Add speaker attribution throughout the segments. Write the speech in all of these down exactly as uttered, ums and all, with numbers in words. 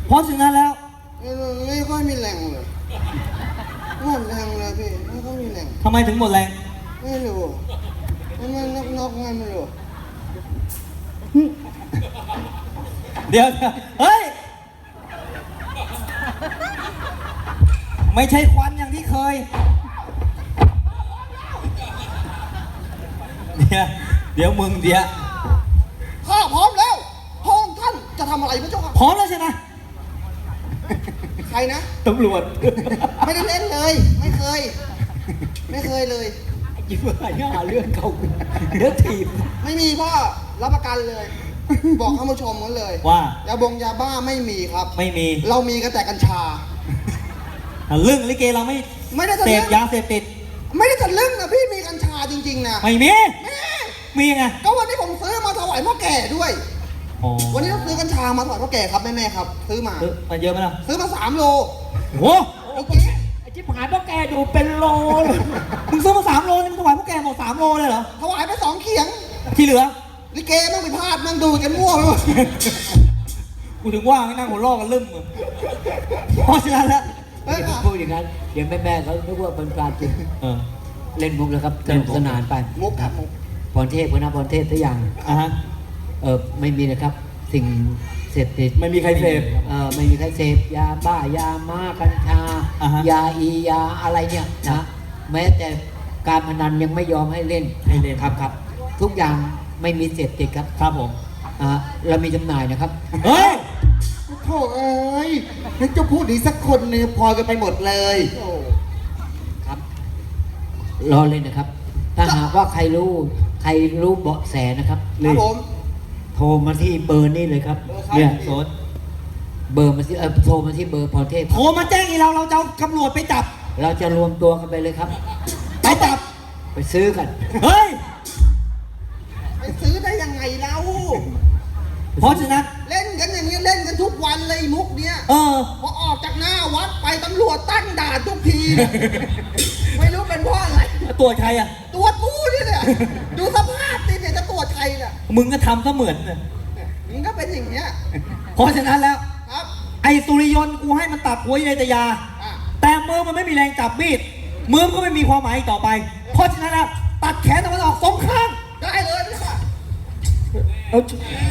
Speaker 1: เพราะฉะนั้นแล้ว
Speaker 2: ไม่ค่อยมีแรงเลยหมดแรงเลยพี่ไม่ค่อยมีแรง
Speaker 1: ทำไมถึงหมดแรง
Speaker 2: ไม่รู้มันมันนกนกไงไม่รู้
Speaker 1: เดี๋ยวเฮ้ยไม่ใช่ควันอย่างที่เคยเดี๋ยวเดี๋ยวมึงเดี๋ยว
Speaker 2: ข้าพร้อมแล้วพระองค์ท่านจะทำอะไรพระเจ้าค่ะ
Speaker 1: พร้อมแล้วใช่ไหม
Speaker 2: ใครนะ
Speaker 1: ตำรวจ
Speaker 2: ไม่ได้เล่นเลยไม่เคยไม่เคยเลย
Speaker 1: ยิ้มอะไรเนี่ยเรื่องเก่าเรื่องถีบ
Speaker 2: ไม่มีพ่อรับประกันเลยบอกท่านผู้ชมกันเลย
Speaker 1: ว่าย
Speaker 2: าบงยาบ้าไม่มีครับ
Speaker 1: ไม่มี
Speaker 2: เรามีกันแต่กัญชา
Speaker 1: เรื่องลิเกเราไม่
Speaker 2: ไม่ได้
Speaker 1: เสพยาเสพติด
Speaker 2: ไม่ได้ทะลึ่งนะพี่มีกัญชาจริงๆนะ
Speaker 1: ไม่มีมีไง
Speaker 2: ก็วันนี้ผมซื้อมาถวายพ่อแก่ด้วยวันนี้เราซื้อกัญชามาถวายพ่อแก่ครับแม่ๆครับซื้อมา
Speaker 1: ซื้อมาเยอะไหมล่ะ
Speaker 2: ซื้อมาสามโล
Speaker 1: โอ้
Speaker 2: โอเค
Speaker 1: ไอ้จิ๊บหายพ่อแก่ดูเป็นโลเลยมึงซื้อมาสามโลนี่มึงถวายพ่อแก่หมดสามโลเลยเหรอ
Speaker 2: ถวายไปสองเขียง
Speaker 1: ที่เหลือ
Speaker 2: ลิเกต้องไปพลาดนั่งดูกันมั่วไปหมด
Speaker 1: กูถึงว่าไม่นั่งหัวล้อกันลืมเพราะฉะนั้นแล้ว
Speaker 3: พูดอย่างนั้นเดี๋ยวแม่ๆเขาคิดว่าเป็นการจริงเล่นมุกแล้วครับสนุกสนานไป
Speaker 2: มุกครับมุก
Speaker 3: พรเทพนะพรเทพทุกอย่าง
Speaker 1: อ่าฮะ
Speaker 3: เออไม่มีนะครับสิ่งเสพติด
Speaker 1: ไม่มีใครเสพ
Speaker 3: เออไม่มีใครเสพยาบ้ายาม้ากัญชายาอียาอะไรเนี่ยนะแม้แต่การพนันยังไม่ยอมให้เล่น
Speaker 1: ให้เล่น
Speaker 3: ครับครับทุกอย่างไม่มีเสพติดครับ
Speaker 1: ครับผม
Speaker 3: อ่าเรามีจำหน่ายนะครับ
Speaker 1: เฮ้ย
Speaker 2: โถ่เอ้ยนึกจะพูดดีสักคนนึงพอกันไปหมดเลย
Speaker 3: ครับรอเลยนะครับถ้าหากว่าใครรู้ใครรู้เบาะแสนะครับ
Speaker 2: ครับผม
Speaker 3: โทรมาที่เบอร์นี้เลยครับ
Speaker 1: เนี่ยโซน
Speaker 3: เบอร์มาที่เออโทรมาที่เบอร์พรเทพ
Speaker 1: โทรมาแจ้งอีเราเราจะเอาตำรวจไปจับ
Speaker 3: เราจะรวมตัวกันไปเลยครับ
Speaker 1: ไปจับ
Speaker 3: ไปซื้อกัน
Speaker 1: เฮ้ย
Speaker 2: ไปซื้อได้ยังไงเล่า
Speaker 1: เพราะฉะนั้น
Speaker 2: เล่นกันอย่างนี้เล่นกันทุกวันเลยมุกเนี้ย
Speaker 1: เออ
Speaker 2: พอออกจากหน้าวัดไปตำรวจตั้งด่านทุกทีไม่รู้เป็นเพราะอะไร
Speaker 1: ตรวจใครอ่ะ
Speaker 2: ตรวจกูนี่เนี่ยดูสภาพนี่เนี่ยจะตรวจใครเนี่ย
Speaker 1: มึงก็ทำซะเหมือนเนี่ย
Speaker 2: มึงก็เป็นอย่างเงี้ย
Speaker 1: เพราะฉะนั้นแล้ว
Speaker 2: ครับ
Speaker 1: ไอ้สุริยนต์กูให้มันตัดหัวในตยาแต่มือมันไม่มีแรงจับมีดมือมันก็ไม่มีความหมายต่อไปเพราะฉะนั้นแล้วตัดแขนตะวันออกสองข้าง
Speaker 2: ได้เลยค่ะ
Speaker 1: เอา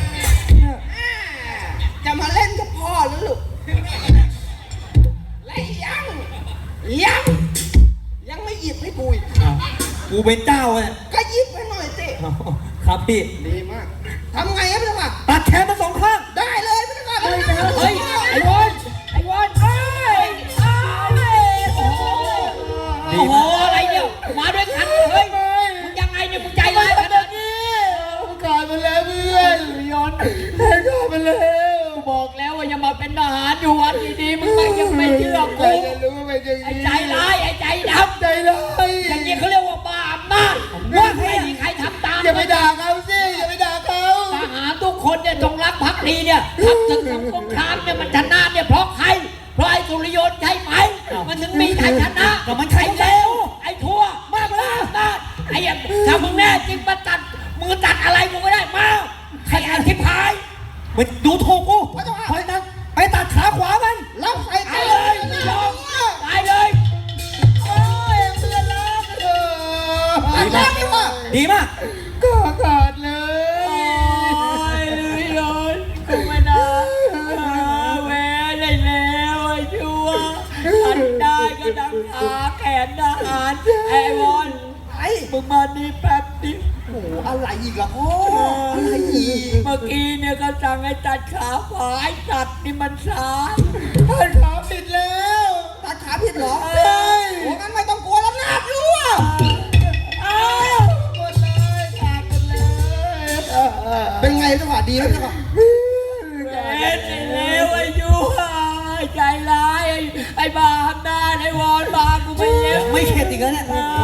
Speaker 2: จะมาเล่นกับพ่อหรือลูกและยังยังยังไม่หยิบให้กูอีก
Speaker 1: กูเป็นเจ้าเนี่ย
Speaker 2: ก็หยิบไปหน่อยสิ
Speaker 1: ครับพี่
Speaker 2: ดีมากทำไงครับพี่ค่ะ
Speaker 1: ตัดแขนมาสองข้าง
Speaker 2: ได้เลยพี่ค่ะ
Speaker 3: เฮ้ยไอ้วอนไอ้วอนเฮ้ยโอ้โหโอ้โหอะไรเนี่ยมาด้วยกันเฮ้ยมึงยังไงเนี่ยมึงใจร้ายขนาดนี้
Speaker 2: มึงกลายไปแล้วเพื่อน
Speaker 3: ย้อนกลายไปแล้วบอกแล้วว่าอย่ามาเป็นทหารอยู่วัดดีๆมึงไม่ยังไม่เชื่อกูไอ้ใจร้ายไอ้ใจดำ
Speaker 2: ใจร้าย
Speaker 3: อย่างนี้เขาเรียกว่าบาปมากว่าไม่มีใครทำตาม
Speaker 2: อย่าไปด่าเขาสิอย่าไปด่าเขา
Speaker 3: ทหารทุกคนเนี่ยจงรักภักดีเนี่ยทำศึกสงครามเนี่ยมันชนะเนี่ยเพราะใครเพราะไอ้สุริยนต์ใช่ไหมมันถึงมีชัยชนะ
Speaker 1: ก็มันใครเร็ว
Speaker 3: ไอ้ทั่วมากเลยนะไอ้ถ้ามึงแน่จริงมาตัดมือตัดอะไรมึงก็ได้มาใครอธิพาย
Speaker 1: ไปดูถูกกูไปตัดไปตัดขาขวามัน
Speaker 2: แล้วใส่
Speaker 3: ตายเลยยอมตายเลย
Speaker 2: โอ้ยเพื่อนรักเออดีมาก
Speaker 1: ดีมาก
Speaker 2: ก็ขาดเลย
Speaker 3: เลยเลยกูไม่ได้แหวได้แล้วไอ้ชัวทันได้ก็ดังขาแขนทหารไอ้วอน
Speaker 2: ไอ้
Speaker 3: มึงมานี่แป๊บดิ
Speaker 2: โอ้อะไรอีกล่ะพ่ออะไรอีก
Speaker 3: เมื่อกี้เนี่ยก็สั่งให้ตัดขาขวาไอ้ตัดนี่มันซ้าย
Speaker 2: ตัดขาผิดแล้วตัดขาผิดเหรอใช่โอ้งั้นไม่ต้องกลัวแล้วนาบรู้อ่ะอ้าวหมดเลยขาดหมดเลยเป็นไงจังหวะดีไหมจังหวะ
Speaker 3: เป็นไอ้เลวไอ้ยูใจร้ายไอ้ไอ้บาหน้าไอ้วอนบากูไม่เย็บ
Speaker 1: ไม่เข็ดอีกแล้วเนี่ย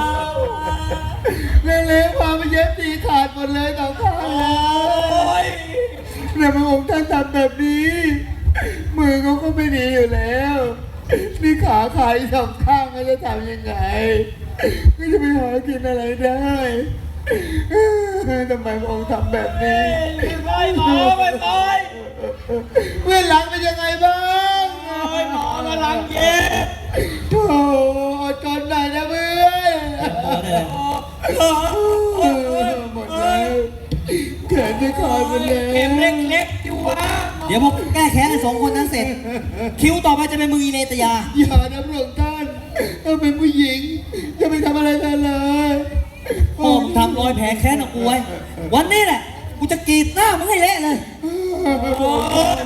Speaker 2: เร็วๆพาไปเย็บตีขาดหมดเลยต่อข้างเลยแต่พระองค์ท่านทำแบบนี้มือเขาก็ไม่ดีอยู่แล้วนี่ขาขาดสองข้างจะทำยังไงก็จะไปหากินอะไรได้ทำไมพระองค์ทำแบบนี้
Speaker 3: ไม่ไปหมอไม่ไป
Speaker 2: เพื่อนหลังเป็นยังไงบ้าง
Speaker 3: งเย็บ
Speaker 2: โธ่อดทนหน่อยนะเพื่อน หมดแล้วแขนจะขาดไปแล้ว
Speaker 3: เข็มเล็กๆอยู่วะ
Speaker 1: เดี๋ยวพอแก้แค้นไอ้สองคนนั้นเสร็จ คิวต่อไปจะเป็นมืออีเลตยา
Speaker 2: อย่านะพระองค์ท่านถ้าเป็นผู้หญิงจะไปทำอะไรเธอเลย
Speaker 1: พ่อมึงทำรอยแผลแค้นของกูไว้ วันนี้แหละ กูจะกรีดหน้ามึงให้เละเลย
Speaker 3: โอ้ย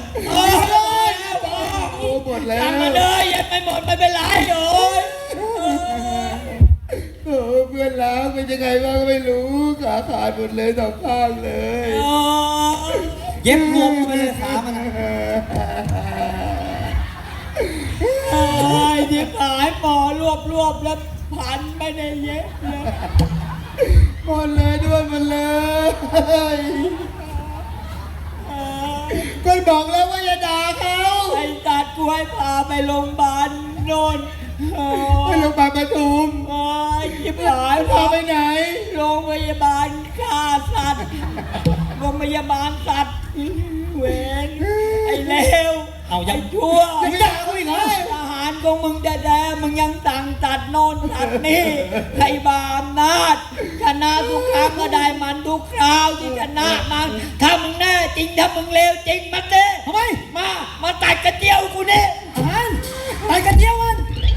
Speaker 2: โอ้หมดแล้ว
Speaker 3: ทำมาเลยยังไม่หมดไม่เป็นไรโอ้ย
Speaker 2: โอ้เพื่อนรักเป็นยังไงบ้างก็ไม่รู้ขาขาดหมดเลยสองข้างเลย
Speaker 1: เย็บรวมกันไปเลยขามันอะ
Speaker 3: ไอ้ที่ขายปอรวบรวบแล้วพันไม่ได้เย็บเลย
Speaker 2: หมดเลยด้วยหมดเลย ก็บอกแล้วว่าอย่าด่าเขา
Speaker 3: ไอ้ตัดกูให้พาไปโรงพยาบาลโน่นโอ้
Speaker 2: ไป
Speaker 3: ย
Speaker 2: โรงพยาบาลปทุม
Speaker 3: โอ้ยยิบหาย
Speaker 2: พาไปไหน
Speaker 3: โรงพยาบาลฆ่าสัตว์โรงพยาบาลสัตว์เวนไอ้เลว
Speaker 1: เอายัง
Speaker 3: ไอ้ชั่ว
Speaker 1: ยังไม่ด่ากูอีกเหรอ
Speaker 3: ทหารของมึงแท้ๆมึงยังสั่งตัดโน่นตัดนี่ใครบาอำนาจชนะทุกครั้งก็ได้มันทุกคราวที่ชนะมันถ้ามึงแน่จริงถ้ามึงเลวจริงมาเต้
Speaker 1: ทำไม
Speaker 3: มา มาตัดกระเจียวกูเนี่ย
Speaker 1: อ่านไปกันเที่ยวมัน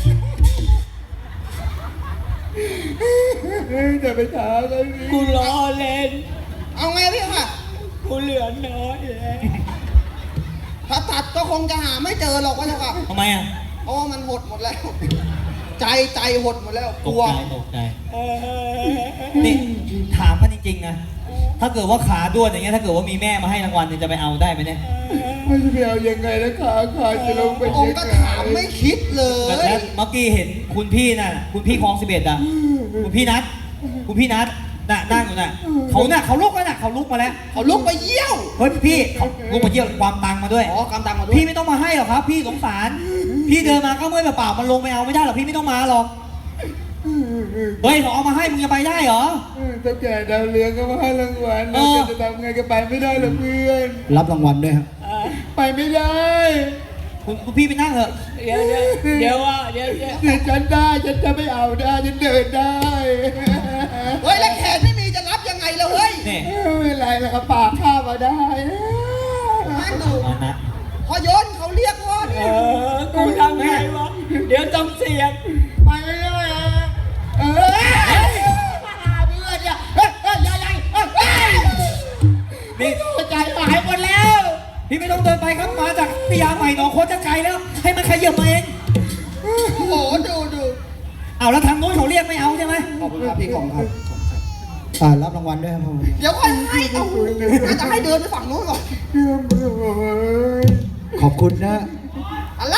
Speaker 2: จะไปถามเขาสิ
Speaker 3: กูล้อเล่น
Speaker 4: เอาไงพี่ค่ะ
Speaker 3: กูเหลือน้อยแล้ว
Speaker 4: ถ้าตัดก็คงจะหาไม่เจอหรอกว่าเจ้าค่ะ
Speaker 1: ทำไมอ่ะ
Speaker 4: เพราะว่ามันหดหมดแล้ว ใจใจหดหมดแล้ว
Speaker 1: ต
Speaker 4: ก
Speaker 1: ก
Speaker 4: ลัว
Speaker 1: ใจตกใจ
Speaker 3: เออ
Speaker 1: นี่ถามกันจริงๆนะ ถ้าเกิดว่าขาด้วนอย่างเงี้ย ถ้าเกิดว่ามีแม่มาให้รางวัลเนี่ยจะไปเอาได้ไหมเนี่ย
Speaker 2: ไม่จะไปเอายังไงแล้วขาขาดจะลงไป
Speaker 4: อง
Speaker 2: ยั
Speaker 4: ค์
Speaker 2: ง
Speaker 4: ก็
Speaker 2: ไง
Speaker 4: ถามไม่คิดเลย
Speaker 1: แล้วเมื่อกี้เห็นคุณพี่น่ะ คุณพี่คลองสิบเอ็ดอ่ะ คุณพี่นัท คุณพี่นัทน่ะนั่งอยู่น่ะ เขาน่ะเขาลุกแล้วน่ะเขาลุกมาแล้ว
Speaker 4: เขาลุกไปเยี่ยว
Speaker 1: เฮ้ยพี่เขาลุกมาเยี่ยมความตังมาด้วย
Speaker 4: อ๋อกำตังมาด้วย
Speaker 1: พี่ไม่ต้องมาให้หรอกครับ พี่สงสาร พี่เดินมาก็เมื่อยเปล่าๆมันลงไปเอาไม่ได้หรอกพี่ไม่ต้องมาหรอก เฮ้ยเขาเอามาให้มึงจะไปได้เหรอ
Speaker 2: เจ้าแก่ดาวเรืองก็มาให้รางวัล
Speaker 1: เอ
Speaker 2: เรา
Speaker 1: อ
Speaker 2: จะทำไงก็ไปไม่ได้หรอกเพื่อน
Speaker 5: รับรางวัลด้วยครับ
Speaker 2: ไปไม่ได้
Speaker 1: คุณคุณพี่ไปนั่งเถอะ
Speaker 3: เดี๋ยวเดี๋ยวเดี๋ยวว่าเดี๋ยวเดี๋ยว
Speaker 2: เดี๋ยวฉันได้ฉันจะไม่เอาได้ฉันเดินได้
Speaker 4: เฮ้ยแล้วแขนไม่มีจะรับยังไงแล้วเฮ้ย
Speaker 1: นี่
Speaker 2: ไม่เป็นไรแล้วก็ปากข้ามาได้
Speaker 4: นั่งดู
Speaker 1: เอานะ
Speaker 4: พอยนเขาเรียกพ่อ
Speaker 3: เอ
Speaker 4: เนี่ย
Speaker 3: อกูทำไงวะเดี๋ยวต้องเสียง
Speaker 2: ไปไม่ได้อะเออเพื่อนอย่าเฮ้ยเฮ้ยอย่าอย่าเฮ้ยเฮ้ย
Speaker 1: นี่
Speaker 2: ใจหายหมดแล้ว
Speaker 1: พี่ไม่ต้องเดินไปครับ มาจากพิยาใหม่หนองโคตรจะไกลแล้ว ให้มันขยับมาเอง
Speaker 4: โอ้โหดูดู
Speaker 1: เอาแล้วทางโน้นเขาเรียกไม่เอาใช่ไหม
Speaker 4: ขอบคุณครับพี่ของครับ
Speaker 5: อ่ารับรางวัลด้วยครับผม
Speaker 4: เดี๋ยวค่อยให้เอาน่าจะให้เดินไปฝั่งนู้นก่อน
Speaker 2: เพื่อนเพื่อนเอ้ย
Speaker 5: ขอบคุณนะ
Speaker 4: อะไร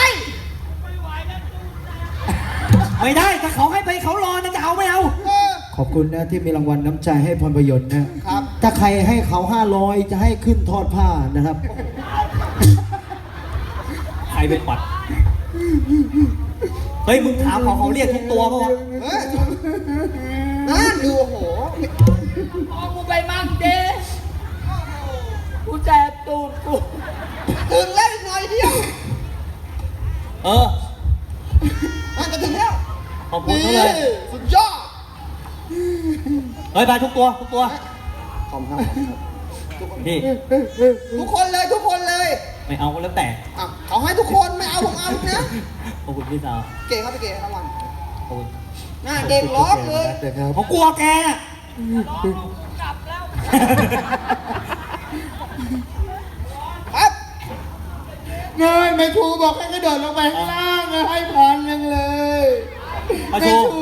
Speaker 1: ไม่ได้ถ้าเขาให้ไปเขารอนะจะเอาไม่เอา
Speaker 4: เออ
Speaker 5: ขอบคุณนะที่มีรางวัลน้ำใจให้พรประยชน์นะ
Speaker 4: ครับ
Speaker 5: ถ้าใครให้เขาห้าร้อยจะให้ขึ้นทอดผ้านะครับ
Speaker 1: ใครเป็นปัด เฮ้ยมึงถามเขาเขาเรียกทุกตัวป่าวะ
Speaker 4: เฮ้ยนั่นดูโอ้โห
Speaker 3: เอากูไปมั่งเด้กูแสบตูดกู
Speaker 4: ถึงแล้วอีกหน่อยเดียว
Speaker 1: เออ
Speaker 4: น่าจะถึงแล้ว
Speaker 1: ขอบคุณ
Speaker 4: นี่
Speaker 1: เขาเลย
Speaker 4: สุดยอด
Speaker 1: เฮ้ยไปทุกตัวทุกตัว
Speaker 4: ขอบคุณครับ
Speaker 1: พี่
Speaker 4: ทุกคนเลยทุกคนเลย
Speaker 1: ไม่เอาก็แล้วแต่
Speaker 4: อ่ะเขาให้ทุกคนไม่เอาผมเอานะ
Speaker 1: ขอบคุณพี่สาว
Speaker 4: เก๋ครับพี่เก๋รางวัล
Speaker 1: ขอบคุณ
Speaker 4: หน้าเด็กร้องเลย
Speaker 5: นะครับ
Speaker 1: เขากลัวแกน่ะ
Speaker 4: ครับ
Speaker 2: เงินแม่ครูบอกให้กระโดดลงไปข้างล่างนะให้พันหนึ่งเลย
Speaker 1: ประ
Speaker 2: แม่
Speaker 1: ชู
Speaker 2: ครู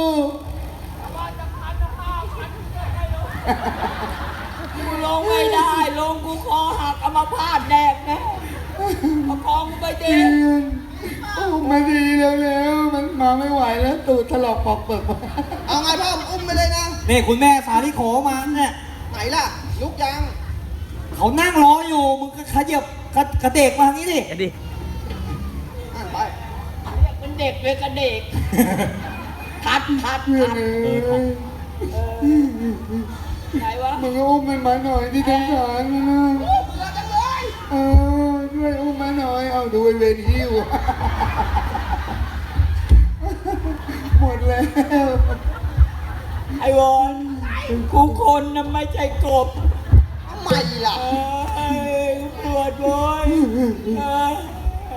Speaker 3: กูลงไม่ได้ลงกูคอหักเอามาพาดแดกนะประคองกูไปเด้
Speaker 2: เพื่อนโอ้มาดีเร็วๆมันมาไม่ไหวแล้วตูดถลอกปอกเปิด
Speaker 4: เอาไงพ่ออุ้มไปเลยนะ
Speaker 1: นี่คุณแม่สาลิโขมาเนี่ย
Speaker 4: ไหนล่ะ ลุกยัง
Speaker 1: เขานั่งรออยู่ มึงก็ขยับกระกระเดกมาทางนี้ดิ
Speaker 4: อ่านไป
Speaker 3: เรียกเป็นเด็กเลยกระเด็กทัดทัด
Speaker 2: เพื่อน
Speaker 3: ทัด
Speaker 2: เอ้ย
Speaker 3: ไหนวะ
Speaker 2: มึงก็อุ้มมันมาหน่อยที่สงสารมันนะ
Speaker 4: เบื่อจังเลย
Speaker 2: เออช่วยอุ้มมาหน่อยเอาดูไอ้เวรหิ้วแล้ว
Speaker 3: ไอ้วอนกูคนนะไม่ใช่กบ
Speaker 4: ทำไมล่ะ
Speaker 3: เอ้ยปวดโวยเอ้ย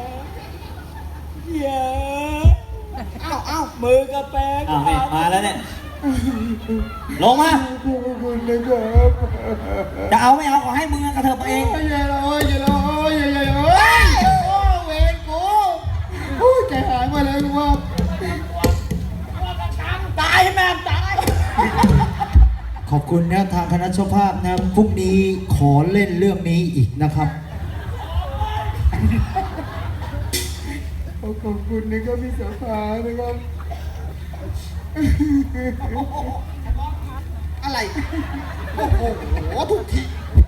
Speaker 3: เย้ย
Speaker 4: เอ้าเอ้า
Speaker 3: มือกระแปง
Speaker 1: อ้าวนี่มาแล้วเนี่ย ลงมา
Speaker 2: ขอบคุณนะครับ
Speaker 1: จะเอาไม่เอาขอให้มึงกระเถิบมาเอง
Speaker 2: อย่าร้อยอย่าร้อยอย่าอย่าร้อยโอ้เวรกูโอ้ใจหายมาแล้วลูกว่า
Speaker 3: ตายแม่งตาย
Speaker 5: ขอบคุณนะทางคณะเจ้าภาพนะพรุ่งนี้ขอเล่นเรื่องนี้อีกนะครับ
Speaker 2: ขอบคุณนะครับพี่สาขานะครับ
Speaker 4: อะไรโอ้โหทุกที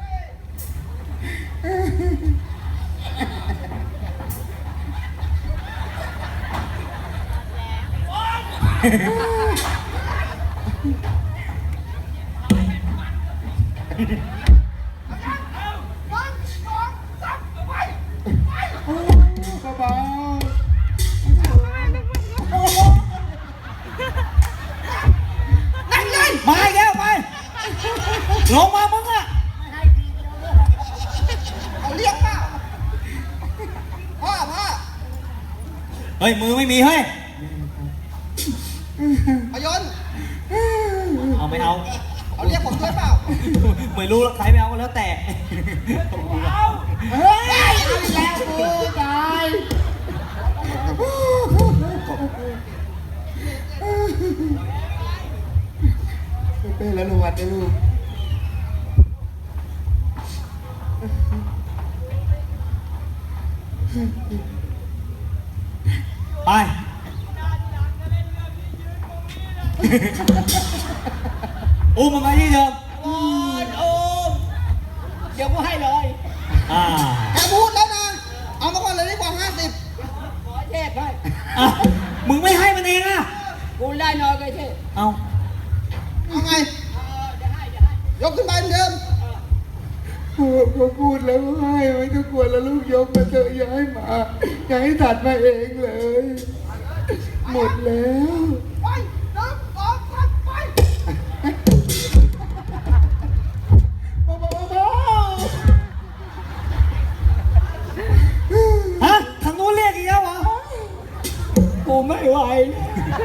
Speaker 2: เบา
Speaker 4: นั่งเลย
Speaker 1: มาอีกแล้วไป ลงมามึงอะ
Speaker 4: เอาเรียกเปล่าพ่อพ่อ
Speaker 1: เฮ้ย มือไม่มีเฮ้ย
Speaker 4: พยนต์
Speaker 1: เอาไม่เอา
Speaker 4: เอาเรียกผมด้วยเปล่า
Speaker 1: ไม่รู้แล้วใครไม่เอาก็แล้วแต่
Speaker 2: ๆเฮ้ยเอาอีกแล้วกูตายเป็นแล้วลูกวัดนะลูก
Speaker 1: ไป อุ้มมันไปที่เดิม
Speaker 3: โอ้ยโอ้มเดี๋ยวกูให้เลย
Speaker 1: อ่า
Speaker 4: แกพูดแล้วนะ เอามาก่อนเลยดีกว่าห้าสิบ
Speaker 3: ขอเทพให้
Speaker 1: อ่ะมึงไม่ให้มันเองอะ
Speaker 3: กูได้น้อยก็เทพ
Speaker 1: เอา
Speaker 4: เอาไง
Speaker 3: เออเดี๋ยวให้เดี๋ยวให้
Speaker 4: ยกขึ้นไปเหมือนเดิม
Speaker 2: เขาพูดแล้วให้ไม่ต้องกลัวแล้วลูกยกมาเถอะอย่าให้มาอย่าให้ถัดมาเองเลย หมดแล้ว
Speaker 4: ไปหนึ่งสองสามไป
Speaker 1: ฮะทางนู้นเรียกอีกแล้วเหรอ
Speaker 3: กูไม่ไหวนะ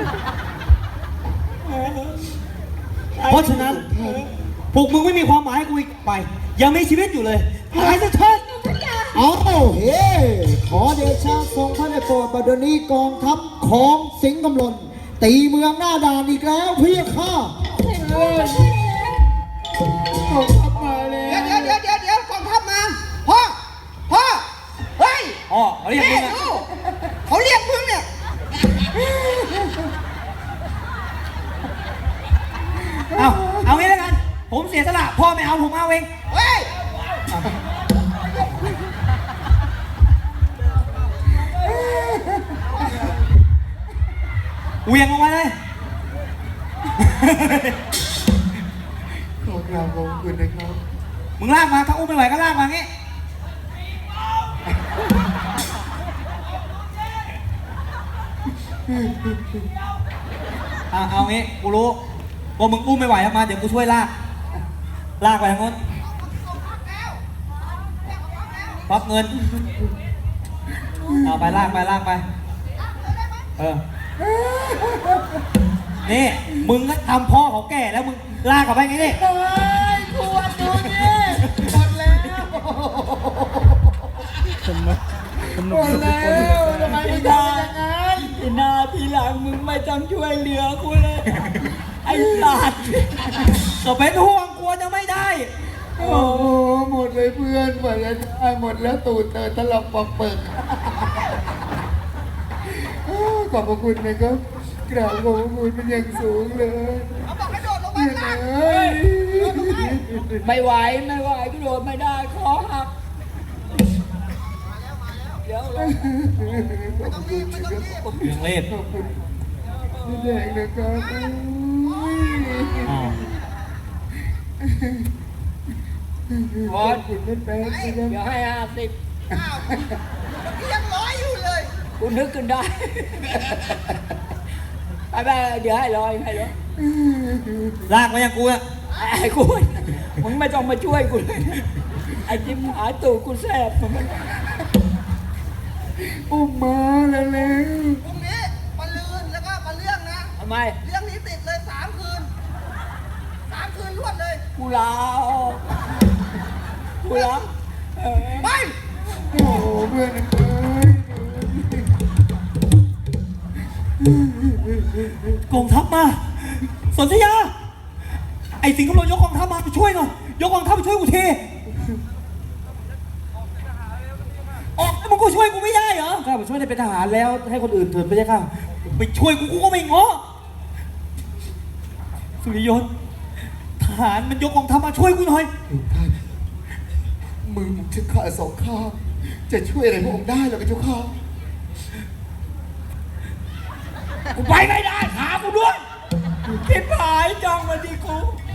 Speaker 3: เออ
Speaker 1: เพราะฉะนั้น พวกมึงไม่มีความหมายให้กูอีกไป ยังมีชีวิตอยู่เลยตายซะเถิด
Speaker 5: เอาเฮ้ขอเดชะทรงพระในโปรดบัดนี้กองทัพของสิงห์กำลนตีเมืองหน้าด่านอีกแล้วพี่ข้า
Speaker 2: เขาขับมาแล้
Speaker 4: เดี๋ยว
Speaker 2: ว
Speaker 4: เดี๋ยวเดี๋ยวเดี๋ยวกองทัพมา พ่อ พ่อ เฮ้ย
Speaker 1: อ๋อเขาเรียกมึ
Speaker 4: นี่
Speaker 1: งอะ
Speaker 4: ดูเขาเรียกมึงเนี่ย
Speaker 1: เอาเอางี้แล้วกัน ผมเสียสละ พ่อไม่เอาผมเอาเอง
Speaker 4: เฮ้ย
Speaker 1: เวียงออกมาเลย
Speaker 2: ขอกราบขอบคุณนะครับ
Speaker 1: มึงลากมา ถ้าอุ้มไม่ไหวก็ลากมางี้ เอาเอางี้ กูรู้ว่ามึงอุ้มไม่ไหวมา เดี๋ยวกูช่วยลาก ลากไปทางโน้นพับเงิน เอาไปลากไปลากไป เออ นี่ มึงก็ทำพ่อเขาแก่แล้วมึงลากกลับไปไงนี่
Speaker 2: เฮ้ยขวดดูนี่หมดแล้วหมดแล้วทำไมไม่ทำอย่างนั้น
Speaker 3: ทีหน้าทีหลังมึงไม่ต้องช่วยเหลือกูเลย ไอ้สัตว์
Speaker 1: ก็เป็นห่วงกลัวจะไม่ได้
Speaker 2: โอ้โหหมดเลยเพื่อนหมดแล้วได้หมดแล้วตูดเตอตลบปอกเปิกขอบพระคุณนะครับกราบขอบพระคุณเป็นอย่างสูงเลย
Speaker 4: เขาบอกให้โดดลงไป
Speaker 2: เนี่ย
Speaker 4: ข้าง
Speaker 2: นะ
Speaker 4: ล่าง
Speaker 2: เฮ้ย
Speaker 3: ไม่ไหวไม่ไหวกูโดดไม่ได้คอหักเดี๋ยวลง
Speaker 2: ขอบคุณนะครับ
Speaker 1: ยังเล่น
Speaker 2: ขอบคุณพี่แดงนะครับอุ้ย
Speaker 1: อ๋อ
Speaker 2: ขอบคุณแม่แป๊ะนะครับ
Speaker 3: เดี๋ยวให้ห้าสิบ
Speaker 4: อ้าวยังร้อยอยู่เลย
Speaker 3: กูนึกขึ้นได้
Speaker 4: พ
Speaker 3: ไปไปเดี๋ยวให้รอยให้รอย
Speaker 1: ลากมาอย่างกูอะ
Speaker 3: ไอ้คุณมึงไม่ต้องมาช่วยกูเลยไอ้จิ้มหาตูกูแสบมัน
Speaker 2: อุ้มมาแล้วแล้ว
Speaker 4: พรุ่งนี้มาลืนแล้วก็มาเรื่องนะ
Speaker 3: ทำไม
Speaker 4: เรื่องนี้ติดเลยสามคืนสามคืนรวดเลย
Speaker 3: กูลาออกกูลาเออ
Speaker 4: ไป
Speaker 2: โอ้เพื่อนเอ้ย
Speaker 1: กองทัพมาสนธยา ไอ้สิงห์กำลังยกกองทัพมาไปช่วยหน่อยยกกองทัพไปช่วยกูทีออกแล้วมึงก็ช่วยกูไม่ได้เหรอ
Speaker 6: ข้าผมช่วยได้เป็นทหารแล้วให้คนอื่นเถิดไปเลยค่ะ
Speaker 1: ไปช่วยกูกูก็ไม่ง้อสุริยนต์ทหารมันยกกองทัพมาช่วยกูหน่อย
Speaker 2: ท่านมือผมจะขาดสองข้างจะช่วยอะไรพระองค์ได้หรอพระเจ้าค่ะ
Speaker 3: กูไปไม่ได้หากูด้วยคิดหายจ้องมาที่กู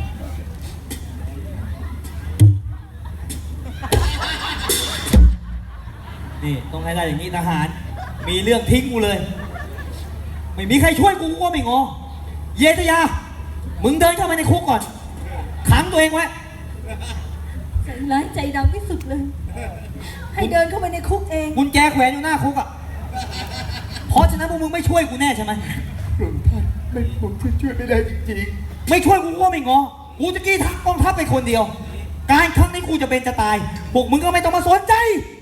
Speaker 1: นี่ต้องให้ได้อย่างนี้ทหาร มีเรื่องทิ้งกูเลย ไม่มีใครช่วยกูกูก็ไม่งอ เยตยา มึงเดินเข้ามาในคุกก่อน ขังตัวเองไว้
Speaker 7: ใจร้ายใจดำที่สุดเลย ให้เดินเข้าไปในคุกเอง
Speaker 1: กุญแจแขวนอยู่หน้าคุกอ่ะ เพราะฉะนั้นพวกมึงไม่ช่วยกูแน่ใช่ไหม
Speaker 2: พระองค์ท่านไม่ผมจะช่วยไม่ได้จริง
Speaker 1: ไม่ช่วยกูก็ไม่งอ กูจะกี้ทักกองทัพไปคนเดียว การครั้งนี้กูจะเป็นจะตาย พวกมึงก็ไม่ต้องมาสนใจ
Speaker 2: ๆ